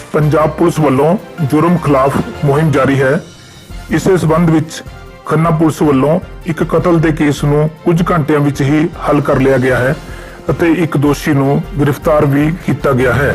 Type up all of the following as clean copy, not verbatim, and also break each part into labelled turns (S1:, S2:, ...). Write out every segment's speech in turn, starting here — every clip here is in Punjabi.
S1: ਪੰਜਾਬ ਪੁਲਿਸ ਵੱਲੋਂ ਜੁਰਮ ਖਿਲਾਫ ਮੁਹਿੰਮ ਜਾਰੀ ਹੈ। ਇਸੇ ਸਬੰਧ ਵਿੱਚ ਖੰਨਾ ਪੁਲਿਸ ਵੱਲੋਂ ਇੱਕ ਕਤਲ ਦੇ ਕੇਸ ਨੂੰ ਕੁਝ ਘੰਟਿਆਂ ਵਿੱਚ ਹੀ ਹੱਲ ਕਰ ਲਿਆ ਗਿਆ ਹੈ ਅਤੇ ਇੱਕ ਦੋਸ਼ੀ ਨੂੰ ਗ੍ਰਿਫਤਾਰ ਵੀ ਕੀਤਾ ਗਿਆ ਹੈ।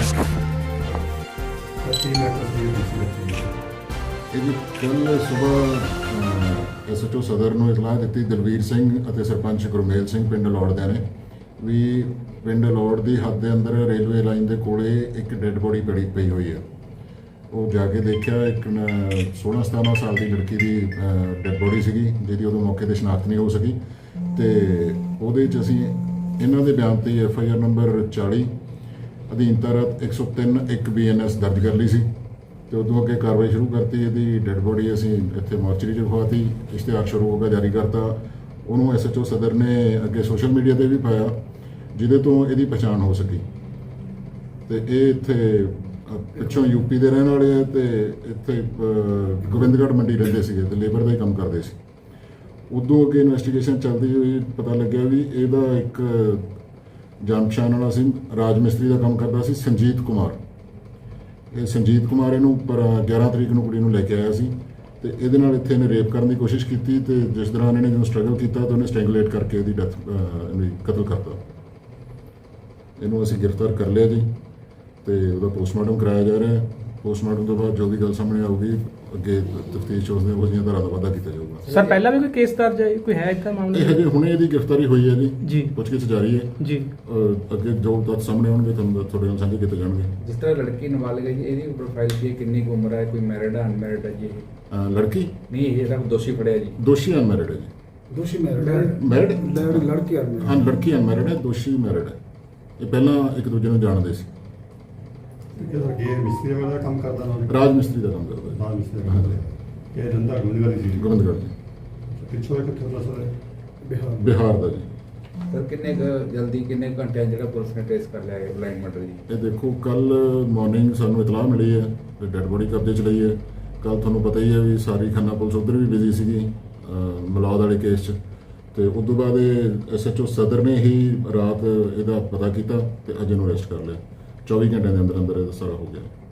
S2: ਕੱਲ ਸਵੇਰ ਐਸਐਚਓ ਸਦਰ ਨੂੰ ਇਤਲਾਹ ਦਿੱਤੀ ਦਲਵੀਰ ਸਿੰਘ ਅਤੇ ਸਰਪੰਚ ਗੁਰਮੇਲ ਸਿੰਘ ਪਿੰਡ ਲੌੜ ਦੇ ਨੇ ਵੀ ਪਿੰਡ ਲੌੜ ਦੀ ਹੱਦ ਦੇ ਅੰਦਰ ਰੇਲਵੇ ਲਾਈਨ ਦੇ ਕੋਲੇ ਇੱਕ ਡੈੱਡ ਬੋਡੀ ਪਈ ਹੋਈ ਹੈ। ਉਹ ਜਾ ਕੇ ਦੇਖਿਆ ਇੱਕ 16-17 ਸਾਲ ਦੀ ਲੜਕੀ ਦੀ ਡੈੱਡ ਬੋਡੀ ਸੀਗੀ ਜਿਹਦੀ ਉਦੋਂ ਮੌਕੇ 'ਤੇ ਸ਼ਨਾਖਤ ਨਹੀਂ ਹੋ ਸਕੀ ਤੇ ਉਹਦੇ 'ਚ ਅਸੀਂ ਇਹਨਾਂ ਦੇ ਬਿਆਨ ਤੇ FIR ਨੰਬਰ 40 ਅਧੀਨ ਧਾਰਾ 103(1) BNS ਦਰਜ ਕਰ ਲਈ ਸੀ ਤੇ ਉਦੋਂ ਅੱਗੇ ਕਾਰਵਾਈ ਸ਼ੁਰੂ ਕਰਤੀ। ਇਹਦੀ ਡੈੱਡ ਬੋਡੀ ਅਸੀਂ ਇੱਥੇ ਮੋਰਚਰੀ 'ਚ ਰਖਵਾਤੀ, ਇਸ਼ਤਿਹਾਰ ਸ਼ੁਰੂ ਹੋ ਗਿਆ, ਜਾਰੀ ਕਰਤਾ। ਉਹਨੂੰ SHO ਸਦਰ ਨੇ ਅੱਗੇ ਸੋਸ਼ਲ ਮੀਡੀਆ ਤੇ ਵੀ ਪਾਇਆ ਜਿਹਦੇ ਤੋਂ ਇਹਦੀ ਪਛਾਣ ਹੋ ਸਕੀ ਤੇ ਇਹ ਇੱਥੇ ਪਿੱਛੋਂ UP ਦੇ ਰਹਿਣ ਵਾਲੇ ਆ ਤੇ ਇੱਥੇ ਗੋਬਿੰਦਗੜ੍ਹ ਮੰਡੀ ਰਹਿੰਦੇ ਸੀਗੇ ਤੇ ਲੇਬਰ ਦਾ ਹੀ ਕੰਮ ਕਰਦੇ ਸੀ। ਉਦੋਂ ਅੱਗੇ ਇਨਵੈਸਟੀਗੇਸ਼ਨ ਚੱਲਦੀ ਹੋਈ ਪਤਾ ਲੱਗਿਆ ਵੀ ਇਹਦਾ ਇੱਕ ਜਾਣ ਪਛਾਣ ਵਾਲਾ ਸੀ, ਰਾਜ ਮਿਸਤਰੀ ਦਾ ਕੰਮ ਕਰਦਾ ਸੀ, ਸੰਜੀਤ ਕੁਮਾਰ। ਇਹ ਸੰਜੀਤ ਕੁਮਾਰ ਇਹਨੂੰ ਪਰ 11 ਤਰੀਕ ਨੂੰ ਕੁੜੀ ਨੂੰ ਲੈ ਕੇ ਆਇਆ ਸੀ ਤੇ ਇਹਦੇ ਨਾਲ ਇੱਥੇ ਇਹਨੇ ਰੇਪ ਕਰਨ ਦੀ ਕੋਸ਼ਿਸ਼ ਕੀਤੀ ਤੇ ਜਿਸ ਦੌਰਾਨ ਇਹਨੇ ਜਦੋਂ ਸਟਰਗਲ ਕੀਤਾ ਤਾਂ ਉਹਨੇ ਸਟ੍ਰੈਂਗੂਲੇਟ ਕਰਕੇ ਇਹਦੀ ਡੈਥ ਕਤਲ ਕਰਤਾ। ਇਹਨੂੰ ਅਸੀਂ ਗ੍ਰਿਫਤਾਰ ਕਰ ਲਿਆ ਜੀ ਤੇ ਉਹਦਾ ਪੋਸਟਮਾਰਟਮ ਕਰਾਇਆ ਜਾ ਰਿਹਾ ਹੈ। ਪੋਸਟਮਾਰਟਮ ਤੋਂ ਬਾਅਦ ਜੋ ਵੀ ਗੱਲ ਸਾਹਮਣੇ ਆਊਗੀ ਅੱਗੇ ਤਫਤੀਸ਼ ਉਸ ਦੇ ਉਹ ਜਿਹੀਆਂ ਧਾਰਾ ਦਾ ਵਾਧਾ ਕੀਤਾ ਜਾਊਗਾ।
S3: ਸਰ ਪਹਿਲਾਂ ਵੀ ਕੋਈ ਕੇਸ ਦਰਜ ਹੈ, ਕੋਈ ਹੈ ਇਦਾਂ ਮਾਮਲਾ?
S2: ਇਹ ਹਜੇ ਹੁਣੇ ਇਹਦੀ ਗ੍ਰਿਫਤਾਰੀ ਹੋਈ ਹੈ
S3: ਜੀ।
S2: ਪੁੱਛਗਿੱਛ ਜਾਰੀ ਹੈ ਜੀ। ਅੱਗੇ ਜੋ ਤੱਥ ਸਾਹਮਣੇ ਆਉਣਗੇ ਤੁਹਾਨੂੰ ਤੁਹਾਡੇ ਨਾਲ ਸਾਂਝੇ ਕੀਤੇ ਜਾਣਗੇ।
S4: ਜਿਸ ਤਰ੍ਹਾਂ ਲੜਕੀ ਨਾਬਾਲਿਗ ਹੈ ਜੀ, ਇਹਦੀ ਪ੍ਰੋਫਾਈਲ ਕੀ ਹੈ, ਕਿੰਨੀ ਕੁ ਉਮਰ ਹੈ, ਕੋਈ ਮੈਰਿਡ ਹੈ ਅਨਮੈਰਿਡ ਹੈ ਜੀ?
S2: ਲੜਕੀ
S4: ਨਹੀਂ, ਇਹ ਜਿਹੜਾ ਦੋਸ਼ੀ ਫੜਿਆ ਜੀ,
S2: ਦੋਸ਼ੀ ਅਨਮੈਰਿਡ ਹੈ ਜੀ।
S5: ਦੋਸ਼ੀ ਮੈਰਿਡ ਹੈ, ਲੜਕੀ ਅਨਮੈਰਿਡ।
S2: ਹਾਂ, ਲੜਕੀ ਅਨਮੈਰਿਡ ਹੈ, ਦੋਸ਼ੀ ਮੈਰਿਡ ਹੈ। ਇਹ ਪਹਿਲਾਂ ਇੱਕ ਦੂਜੇ ਨੂੰ ਜਾਣਦੇ ਸੀ।
S6: ਮਿਸਤਰੀ ਦਾ ਕੰਮ ਕਰਦਾ ਨਾ,
S2: ਰਾਜ ਮਿਸਤਰੀ ਦਾ ਕੰਮ ਕਰਦਾ
S6: ਰਾਜ ਮਿਸਤਰੀ ਦਾ ਕੰਮ ਕਰਦਾ। ਇਹ ਰੰਦਾ ਗੋਬਿੰਦਗੜ੍ਹ ਸੀ।
S2: ਗੋਬਿੰਦਗੜ੍ਹ ਜੀ।
S6: ਪਿੱਛੋਂ ਕਿੱਥੋਂ ਦਾ ਸਰ?
S2: ਬਿਹਾਰ ਦਾ ਜੀ।
S4: ਸਰ ਕਿੰਨੇ ਜਲਦੀ ਕਿੰਨੇ ਘੰਟਿਆਂ ਜਿਹੜਾ ਪੁਲਿਸ ਨੇ ਟ੍ਰੇਸ ਕਰ ਲਿਆ ਹੈ ਬਲਾਈਂਡ ਮਰਡਰ ਜੀ?
S2: ਇਹ ਦੇਖੋ ਕੱਲ ਮਾਰਨਿੰਗ ਸਾਨੂੰ ਇਤਲਾਹ ਮਿਲੀ ਹੈ ਤੇ ਡੈੱਡ ਬੋਡੀ ਕਬਜ਼ੇ 'ਚ ਲਈ ਹੈ। ਕੱਲ ਤੁਹਾਨੂੰ ਪਤਾ ਹੀ ਹੈ ਵੀ ਸਾਰੀ ਖੰਨਾ ਪੁਲਿਸ ਉੱਧਰ ਵੀ ਬਿਜ਼ੀ ਸੀਗੀ ਮਲੌਦ ਵਾਲੇ ਕੇਸ 'ਚ ਤੇ ਉਸ ਤੋਂ ਬਾਅਦ ਇਹ SHO ਸਦਰ ਨੇ ਹੀ ਰਾਤ ਇਹਦਾ ਪਤਾ ਕੀਤਾ ਤੇ ਅੱਜ ਇਹਨੂੰ ਅਰੈਸਟ ਕਰ ਲਿਆ। 24 ਘੰਟਿਆਂ ਦੇ ਅੰਦਰ ਅੰਦਰ ਇਹ ਸਾਰਾ ਹੋ ਗਿਆ।